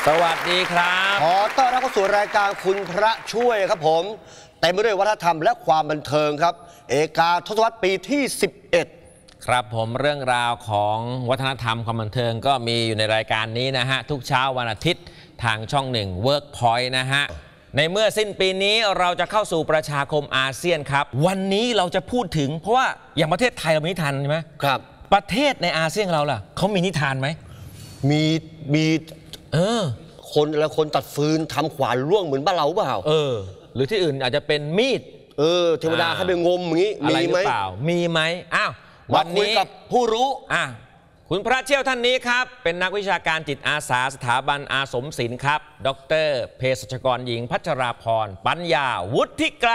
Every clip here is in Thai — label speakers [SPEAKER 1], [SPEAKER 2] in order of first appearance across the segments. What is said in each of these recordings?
[SPEAKER 1] สวัสดีครับ
[SPEAKER 2] ขอต้อนรับเข้าสู่รายการคุณพระช่วยครับผมเต็มไปด้วยวัฒนธรรมและความบันเทิงครับเอกาทศวรรษปีที่11
[SPEAKER 1] ครับผมเรื่องราวของวัฒนธรรมความบันเทิงก็มีอยู่ในรายการนี้นะฮะทุกเช้าวันอาทิตย์ทางช่อง1 Workpoint นะฮะในเมื่อสิ้นปีนี้เราจะเข้าสู่ประชาคมอาเซียนครับวันนี้เราจะพูดถึงเพราะว่าอย่างประเทศไทยเรามีนิทานใช่ไหม
[SPEAKER 2] ครับ
[SPEAKER 1] ประเทศในอาเซียนเราล่ะเขามีนิทานไหม
[SPEAKER 2] มีคนตัดฟืนทำขวานร่วงเหมือนบ้านเราเปล่า
[SPEAKER 1] หรือที่อื่นอาจจะเป็นมีด
[SPEAKER 2] เทวดาให้ไปงมอย่างนี้
[SPEAKER 1] มีไหมมีไหมอ้าว
[SPEAKER 2] วันนี้กับผู้รู้
[SPEAKER 1] คุณพระเชี่ยวท่านนี้ครับเป็นนักวิชาการจิตอาสาสถาบันอาสมศิลป์ครับดร.เภสัชกรหญิงพัชราพรปัญญาวุฒิไกร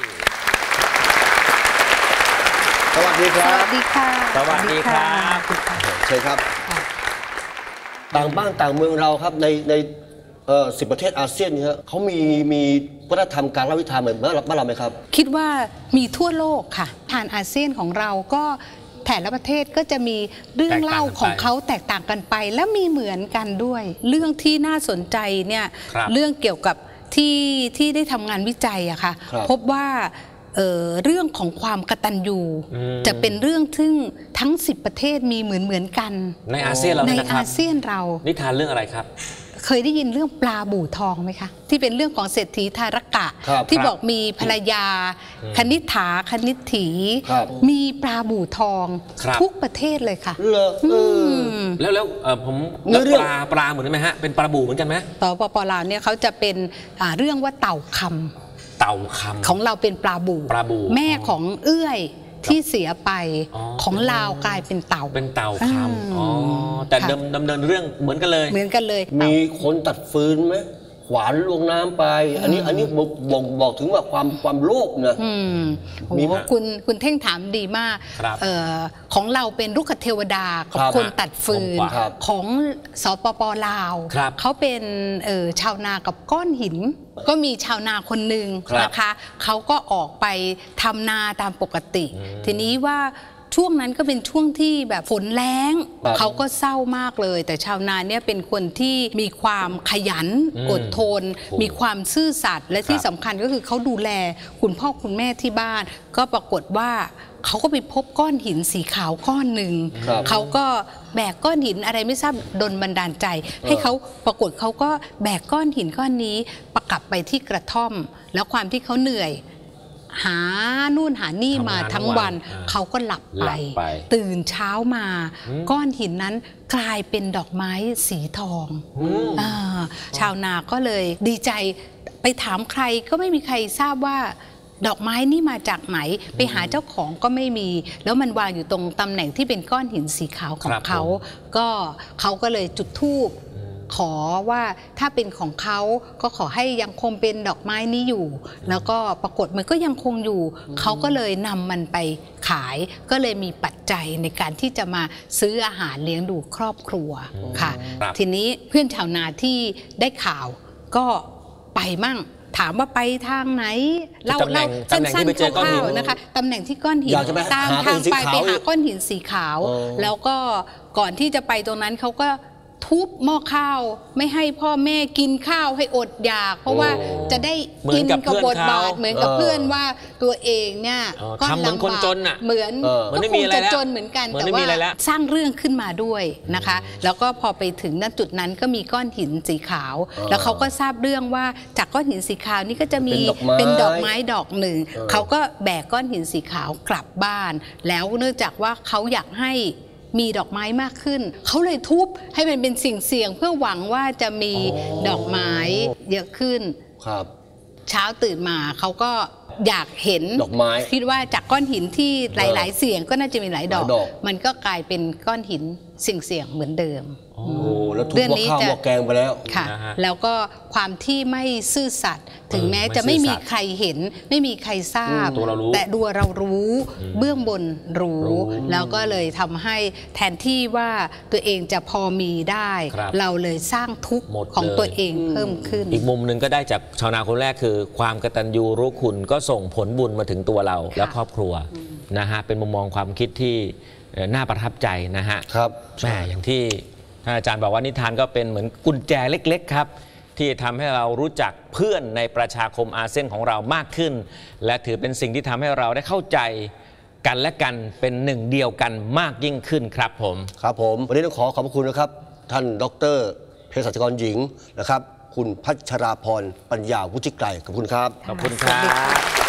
[SPEAKER 2] สวัสดีครับ
[SPEAKER 3] สวัสดีค่ะ
[SPEAKER 1] สวัสดีครับ
[SPEAKER 2] เชิญครับต่างบ้านต่างเมืองเราครับใน10 ประเทศอาเซียนนี่ฮะเขามีวัฒนธรรมการเล่านิทานเหมือนบ้านเราไหมครับ
[SPEAKER 3] คิดว่ามีทั่วโลกค่ะทานอาเซียนของเราก็แต่ละประเทศก็จะมีเรื่องเล่าของเขาแตกต่างกันไปและมีเหมือนกันด้วยเรื่องที่น่าสนใจเนี่ยเรื่องเกี่ยวกับที่ได้ทำงานวิจัยอะค่ะพบว่าเรื่องของความกตัญญูจะเป็นเรื่องซึ่งทั้ง10 ประเทศมีเหมือนกัน
[SPEAKER 1] ในอาเซียนเรา
[SPEAKER 3] ในอาเซียนเรา
[SPEAKER 1] นิทานเรื่องอะไรครับ
[SPEAKER 3] เคยได้ยินเรื่องปลาบู่ทองไหมคะที่เป็นเรื่องของเศรษฐีทารกะที่บอกมีภรรยาคณิษฐาคณิษฐีมีปลาบู่ทองทุกประเทศเลยค่ะ
[SPEAKER 1] แล้วผมปลาเหมือนไหมฮะเป็นปลาบู่เหมือนกันไหม
[SPEAKER 3] ต่อปลาวเนี่ยเขาจะเป็นเรื่องว่าเต่าคำของเราเป็นปลาบู่แม่ของเอื้อยที่เสียไปของลาวกลายเป็นเต่า
[SPEAKER 1] คำแต่ดำเนินเรื่องเหมือนกันเลย
[SPEAKER 2] มีคนตัดฟืนไหมขวานลงน้ำไปอันนี้บอกถึงว่าความโลภนะ
[SPEAKER 3] มีคุณเท่งถามดีมากของเราเป็นลูกเทวดากับคนตัดฟืนของสปป.ลาวเขาเป็นชาวนากับก้อนหินก็มีชาวนาคนหนึ่งนะคะเขาก็ออกไปทำนาตามปกติทีนี้ว่าช่วงนั้นก็เป็นช่วงที่แบบฝนแล้งเขาก็เศร้ามากเลยแต่ชาวนาเนี่ยเป็นคนที่มีความขยันอดทนมีความซื่อสัตย์และที่สำคัญก็คือเขาดูแลคุณพ่อคุณแม่ที่บ้านก็ปรากฏว่าเขาก็ไปพบก้อนหินสีขาวก้อนหนึ่งเขาก็แบกก้อนหินอะไรไม่ทราบดลบันดาลใจให้เขาปรากฏเขาก็แบกก้อนหินก้อนนี้ประกลับไปที่กระท่อมแล้วความที่เขาเหนื่อยหานู่นหานี่มาทั้งวันเขาก็หลับไปตื่นเช้ามาก้อนหินนั้นกลายเป็นดอกไม้สีทองชาวนาก็เลยดีใจไปถามใครก็ไม่มีใครทราบว่าดอกไม้นี่มาจากไหนไปหาเจ้าของก็ไม่มีแล้วมันวางอยู่ตรงตำแหน่งที่เป็นก้อนหินสีขาวของเขาก็เลยจุดธูปขอว่าถ้าเป็นของเขาก็ขอให้ยังคงเป็นดอกไม้นี้อยู่แล้วก็ปรากฏมันก็ยังคงอยู่เขาก็เลยนำมันไปขายก็เลยมีปัจจัยในการที่จะมาซื้ออาหารเลี้ยงดูครอบครัวค่ะทีนี้เพื่อนชาวนาที่ได้ข่าวก็ไปมั่งถามว่าไปทางไหนเราสั้นๆคร่าวๆนะคะตำแหน่งที่ก้อนหินตามทางไปหาก้อนหินสีขาวแล้วก็ก่อนที่จะไปตรงนั้นเขาก็ทุบหม้อข้าวไม่ให้พ่อแม่กินข้าวให้อดอยากเพราะว่าจะได้กินกับบทบาทเหมือนกับเพื่อนว่าตัวเองเนี่ย
[SPEAKER 1] ก็เหมือนคนจนอ่ะ
[SPEAKER 3] เหมือนก็คงจะจนเหมือนกันแต่ว่าสร้างเรื่องขึ้นมาด้วยนะคะแล้วก็พอไปถึงณจุดนั้นก็มีก้อนหินสีขาวแล้วเขาก็ทราบเรื่องว่าจากก้อนหินสีขาวนี่ก็จะมีเป็นดอกไม้ดอกหนึ่งเขาก็แบกก้อนหินสีขาวกลับบ้านแล้วเนื่องจากว่าเขาอยากให้มีดอกไม้มากขึ้นเขาเลยทุบให้มันเป็นสิ่งเสี่ยงเพื่อหวังว่าจะมีดอกไม้เยอะขึ้นเช้าตื่นมาเขาก็อยากเห็น
[SPEAKER 2] ดอกไม้
[SPEAKER 3] คิดว่าจากก้อนหินที่หลายๆเสียงก็น่าจะมีหลายดอกมันก็กลายเป็นก้อนหินสิ่งเสี่ยงเหมือนเดิม
[SPEAKER 2] แล้วทุบหม้อข้าวหม้อแกงไปแล้ว
[SPEAKER 3] ค่ะแล้วก็ความที่ไม่ซื่อสัตย์ถึงแม้จะไม่มีใครเห็นไม่มีใครทราบแต่ดูเรารู้เบื้องบนรู้แล้วก็เลยทำให้แทนที่ว่าตัวเองจะพอมีได้เราเลยสร้างทุกข์ของตัวเองเพิ่มขึ้น
[SPEAKER 1] อีกมุมหนึ่งก็ได้จากชาวนาคนแรกคือความกตัญญูรู้คุณก็ส่งผลบุญมาถึงตัวเราและครอบครัวนะฮะเป็นมุมมองความคิดที่น่าประทับใจนะฮะ
[SPEAKER 2] ครับ
[SPEAKER 1] แม่อย่างที่ท่านอาจารย์บอกว่านิทานก็เป็นเหมือนกุญแจเล็กๆครับที่ทำให้เรารู้จักเพื่อนในประชาคมอาเซียนของเรามากขึ้นและถือเป็นสิ่งที่ทำให้เราได้เข้าใจกันและกันเป็นหนึ่งเดียวกันมากยิ่งขึ้นครับผม
[SPEAKER 2] ครับผมวันนี้ต้องขอบคุณนะครับท่านดร.เภสัชกรหญิงนะครับคุณพัชราพรปัญญาวุฒิไกรขอบคุณครับ
[SPEAKER 1] ขอบคุณครับ